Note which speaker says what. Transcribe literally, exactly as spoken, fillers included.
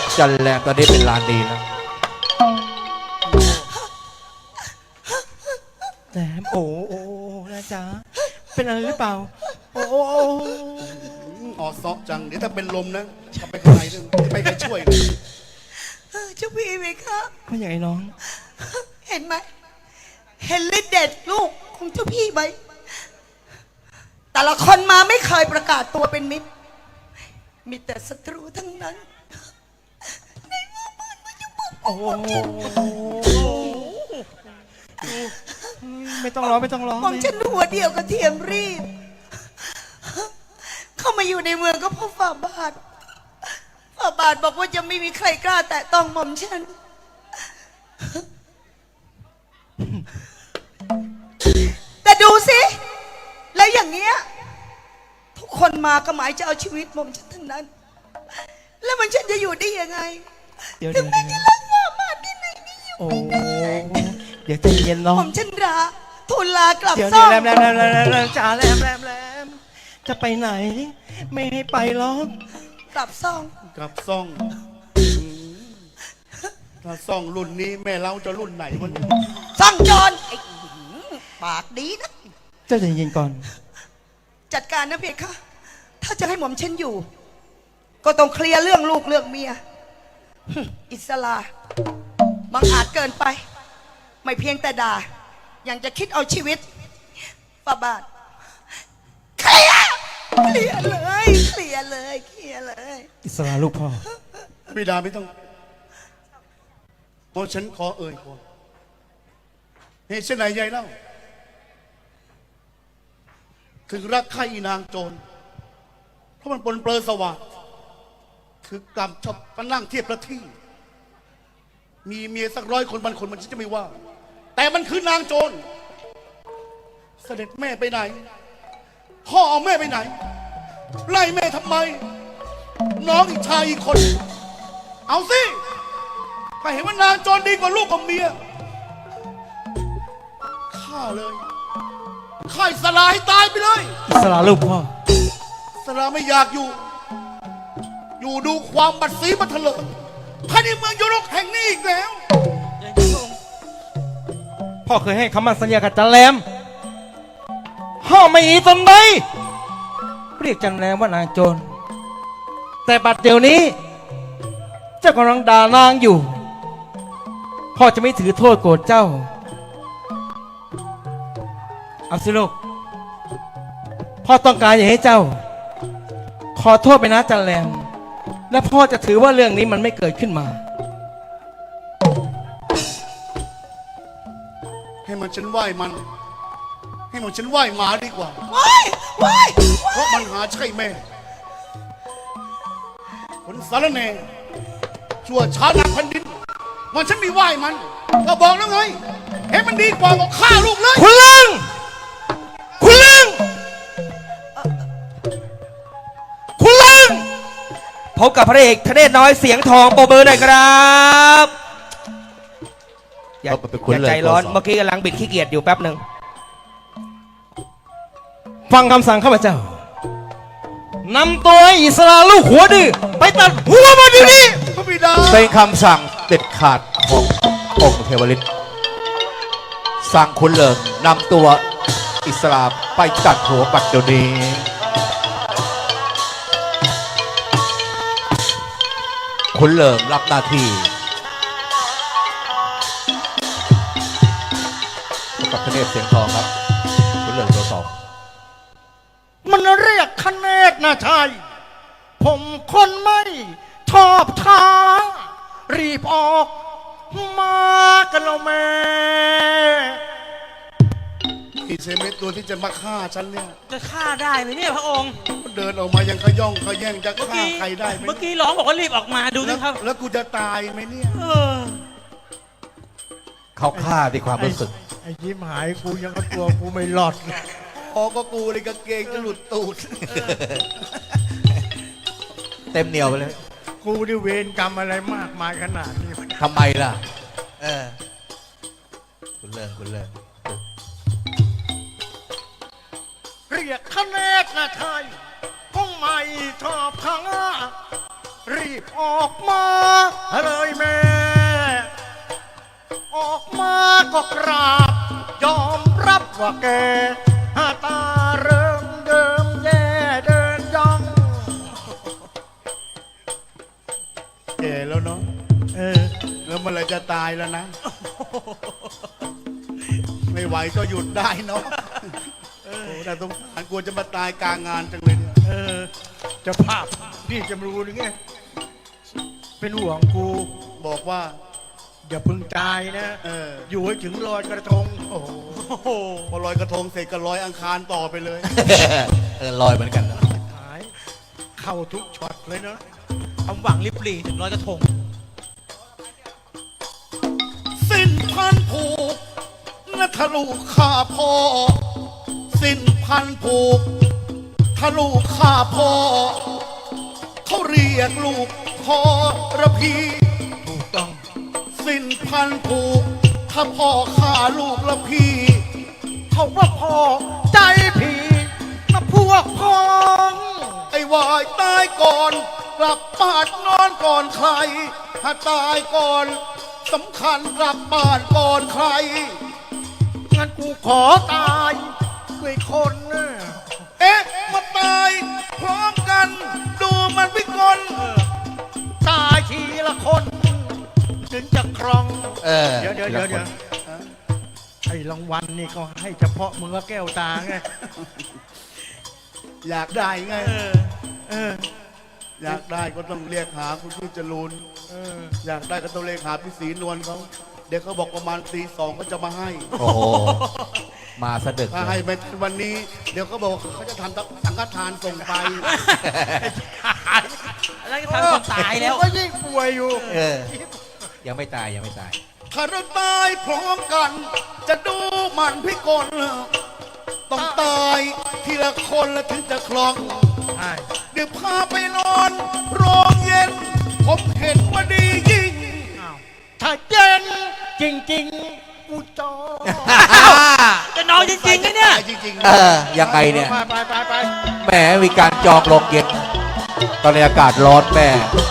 Speaker 1: จันแรงตอนนี้เป็นลานดีแล้วแหมโอ้โอ้นะจ๊ะเป็นอะไรหรือเปล่าโอ้โอ้
Speaker 2: อ๋อซอกจังเดี๋ยวถ้าเป็นลมนะจะไปข้างในนึงไปใครช่วยเลย
Speaker 3: เจ้าพี่ไหมคะ
Speaker 1: ไม่ใหญ่น้อง
Speaker 3: เห็นไหมเห็นฤทธิ์เด็ดลูกของเจ้าพี่ไหมแต่ละคนมาไม่เคยประกาศตัวเป็นมิตรมีแต่ศัตรูทั้งนั้นในเมื่อบ้านมันจะบุก
Speaker 1: โอ้ไม่ต้องร้องไม่ต้องร้อง
Speaker 3: มองฉันหัวเดียวกับเทียมรีบเข้ามาอยู่ในเมืองก็เพราะฝ่าบาทฝ่าบาทบอกว่าจะไม่มีใครกล้าแตะต้องหม่อมฉันแต่ดูสิแล้วอย่างเงี้ยทุกคนมาก็หมายจะเอาชีวิตหม่อมฉันทั้งนั้นแล้วมันฉันจะอยู่ได้ยังไงถึงแม้จะรักฝ่าบาทที่ไหนนี่อยู่
Speaker 1: โอ้เดี๋ยวใจเย็นน้อง
Speaker 3: หม่อมฉันราทูลลากลับ
Speaker 1: เดี๋ยว
Speaker 3: ซ่อม
Speaker 1: แรมแรมแรมแรมแรมจ่าแรมแรมแรมจะไปไหนไม่ให้ไปหรอก
Speaker 3: กลับซ่อง
Speaker 2: กับซ่องถ้าซ่องรุ่นนี้แม่เราจะรุ่นไหนวันนี้
Speaker 3: ซ่องจรไอ้ปากดีนะ
Speaker 1: เจ้าใจเย็นก่อน
Speaker 3: จัดการนะเพคะถ้าจะให้หม่อมฉันอยู่ ก็ต้องเคลียร์เรื่องลูกเรื่องเมียอิสลาบังอาจเกินไป ไม่เพียงแต่ด่ายังจะคิดเอาชีวิตฝ่าบาทเคลียร์เคลียร์เลยเคลียร์เลยเคลียร์เลย
Speaker 1: อิสระลูกพ่อ
Speaker 2: บิดาไม่ต้องเพราะฉันขอเอ่ยก่อนเหตุเช่นไหนยายเล่าถึงรักใครอีนางโจรเพราะมันปนเปื้อนสว่างคือกรรมชอบมานั่งเทียบประที่มีเมียสักร้อยคนพันคนมันจะไม่ว่า แต่มันคือนางโจรเสด็จแม่ไปไหนพ่อเอาแม่ไปไหนไล่แม่ทำไม น้องอีกชายอีกคน เอาสิถ้าเห็นว่านางโจรดีกว่าลูกกับเมียฆ่าเลยฆ่าอิสลาให้ตายไปเลย
Speaker 1: อิสระลูกพ่อ
Speaker 2: อิสลาไม่อยากอยู่ อยู่ดูความบัดสีบัดเถลิงภายในเมืองยุโรปแห่งนี้อีกแล้ว
Speaker 1: พ่อเคยให้คำมั่นสัญญากับจันแรมห้ามไม่อีตนใดเรียกจันแรมว่านางโจรแต่บัดเดี๋ยวนี้ เจ้ากำลังด่านางอยู่พ่อจะไม่ถือโทษโกรธเจ้าเอาสิลูกพ่อต้องการอยากให้เจ้า ขอโทษไปนะจันแรมและพ่อจะถือว่าเรื่องนี้มันไม่เกิดขึ้นมา
Speaker 2: ให้มันฉันไหว้มัน ให้มันฉันไหว้หมาดีกว่า
Speaker 3: ว้ายว้าย
Speaker 2: เพราะมันหาใช่แม่คนสารแหน่ชั่วช้านักแผ่นดินมันฉันไม่ไหว้มันก็บอกแล้วไงเห็นมันดีกว่าก็ฆ่าลูกเลย
Speaker 1: คุณลุงคุณลุงคุณลุงพบกับพระเอกทเนศน้อยเสียงทองโปรเบอร์หน่อยครับอย่าอย่าใจร้อนเมื่อกี้กำลังบิดขี้เกียจอยู่แป๊บหนึ่งฟังคำสั่งข้าพเจ้านำตัวอิสราลูกหัวดื้อไปตัดหัวมันอยู่นี่
Speaker 2: พระบิดา
Speaker 4: เป็นคำสั่งเด็ดขาดขององค์เทวฤทธิ์สั่งคุณเลิงนำตัวอิสลามไปตัดหัวปัดเดี๋ยวนี้คุณเลิงรับหน้าที่กับทเนศเสียงทองครับคุณเลิงตัวสอง
Speaker 5: มันเรียกคะแนนนะชายผมคนไม่ชอบท้ารีบออกมากันแล้วแม่
Speaker 2: อีเซเมตตัวที่จะมาฆ่าฉันเนี่ย
Speaker 6: จะฆ่าได้ไหมเนี่ยพระองค์
Speaker 2: เดินออกมายังขย่องขย่งจะ
Speaker 6: เมื่อ
Speaker 2: ฆ่า
Speaker 6: กี้
Speaker 2: ใครได้ไหม
Speaker 6: เมื่อกี้ร้องบอกว่ารีบออกมาดูสิ
Speaker 2: แล้ว
Speaker 6: ครับ
Speaker 2: แล้วกูจะตายไหมเนี่ย
Speaker 6: เออ
Speaker 4: เขาฆ่าด้วยความรู้สึก
Speaker 5: ไอ้ยิ้มหายกูยังก็ตัวกูไม่หลอด
Speaker 2: พอก็กูเลยกางเกงจะหลุดตูด
Speaker 4: เต็มเหนียวไปเลย
Speaker 5: กูได้เวรกรรมอะไรมากมายขนาดนี้
Speaker 4: ทำไมล่ะ เออ คุณเลิงคุณเลิง
Speaker 5: เรียกคะแนนนะชายผมไม่ชอบท้ารีบออกมาเลยแม่ ออกมาก็กราบ ยอมรับว่าแกตาเริ่มเดิมแย่เดินย่อง
Speaker 2: แก่แล้วเนาะ
Speaker 5: เออ
Speaker 2: แล้วเมื่อไหรจะตายแล้วนะ ไม่ไหวก็หยุดได้เนาะโอ้แต่สงสารกลัวจะมาตายกลางงานจังเลยเนี่ย
Speaker 5: เออเจะภาพพี่จำรู้หรือไง เป็นห่วงกู
Speaker 2: บอกว่า
Speaker 5: อย่าเพึ่งตายนะ
Speaker 2: เออ
Speaker 5: อยู่ให้ถึงลอยกระทง
Speaker 2: โอ้โห
Speaker 6: โอ้โห
Speaker 2: พอลอยกระทงเสร็จก็ลอยอังคารต่อไปเลย
Speaker 4: เออลอยเหมือนกันนะ
Speaker 5: หาย เข้าทุกช็อตเลยเนาะ
Speaker 6: ความหวังริบหรี่ถึงลอยกระทง
Speaker 2: สิ้นพันผูกและทะลุข้าพ่อ สิ้นพันผูกทะลุข้าพ่อ เขาเรียกลูกพ่อระพี
Speaker 5: ถูกต้อง
Speaker 2: สิ้นพันผูกถ้าพ่อฆ่าลูกละพี่
Speaker 5: เขาว่าพ่อใจผีนะพวกพ้อง
Speaker 2: ไอ้วายตายก่อน กลับบ้านนอนก่อนใคร ถ้าตายก่อนสำคัญกลับบ้านก่อนใคร
Speaker 5: งั้นกูขอตายด้วยคนนะ
Speaker 2: เอ๊ะ มาตายพร้อมกัน ดูมันพิกล
Speaker 5: ตายทีละคน ถึงจะครอง
Speaker 4: เออ
Speaker 5: เดี๋ยวเดี๋ยวเดี๋ยวเดี๋ยวไอ้รางวัลนี่ก็ให้เฉพาะมึงกับแก้วตาไง
Speaker 2: อยากได้ไง
Speaker 6: เออ
Speaker 5: เออ
Speaker 2: อยากได้ก็ต้องเรียกหาคุณพี่จรูน
Speaker 5: เออ
Speaker 2: อยากได้ก็ต้องเรียกหาพี่ศรีนวลเขาเดี๋ยวเขาบอกประมาณตีสองเขาจะมาให้
Speaker 4: โอ้โห มาสะดึก
Speaker 2: ถ้า
Speaker 4: เล
Speaker 2: ให้
Speaker 4: ย
Speaker 2: ไปวันนี้ เดี๋ยวเขาบอกว่าเขาจะทำสังฆทานส่งไป
Speaker 6: แล้วก็ทำคนตายแล้ว
Speaker 5: ก็ยิ่งป่วยอยู่
Speaker 4: เออ ยังไม่ตายยังไม่ตาย
Speaker 2: ถ้าเราตายพร้อมกัน จะดูมันพิกลต้องตายทีละคนแล้วถึงจะคลอง
Speaker 5: ใช่
Speaker 2: เดี๋ยวพาไปนอนโรงเย็น ผมเห็นว่าดียิ่ง
Speaker 5: อ้าวถ้าเย็นจริงๆกูจอ
Speaker 6: จะนอนจริงๆนะเนี่ย
Speaker 2: ตายจริงๆ
Speaker 4: เอ
Speaker 2: นะ
Speaker 4: อ ยังไงเนี่ย
Speaker 5: ไปไปไปไป
Speaker 4: แหมมีการจองโรงเย็น ตอนนี้อากาศร้อนแม่